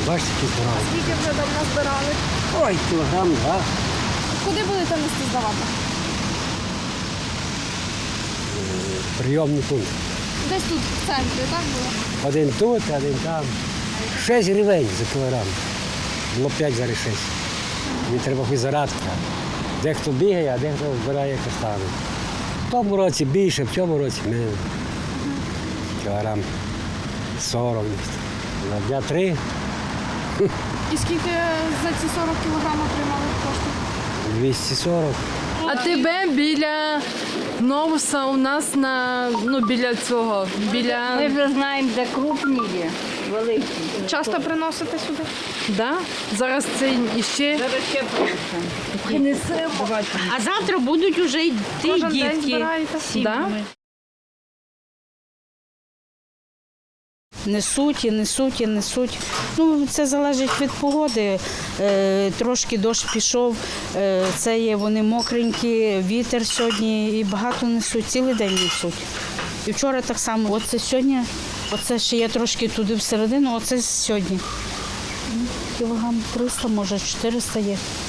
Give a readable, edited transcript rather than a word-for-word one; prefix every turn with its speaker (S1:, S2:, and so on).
S1: Бачите, які збирали.
S2: Скільки вже давно збирали?
S1: Ой, кілограм, два.
S2: Куди будете нести здавати?
S1: Прийомний пункт.
S2: Десь тут, в центрі, так було?
S1: Один тут, один там. 6 гривень за кілограм. Було 5, зараз 6. Мені треба хоч зарадка. Дехто бігає, а дехто збирає каштани. В тому році більше, в цьому році менше. Кілограм 40. На дня 3.
S2: І скільки за ці 40 кілограмів отримали коштів?
S1: 240.
S3: А тебе біля Новуса у нас біля цього,
S4: Ми вже знаємо, де крупні є, великі.
S2: Часто приносите сюди?
S3: Да? Зараз це іще.
S4: Зараз ще принесемо.
S5: А завтра будуть уже йти
S2: Кожен день
S5: дітки.
S2: збираєте?
S3: Да?
S5: Несуть і несуть і несуть. Це залежить від погоди. Трошки дощ пішов, це є вони мокренькі, вітер сьогодні і багато несуть, цілий день несуть. І вчора так само, оце сьогодні, оце ще є трошки туди всередину, оце сьогодні. Кілограм 300, може 400 є.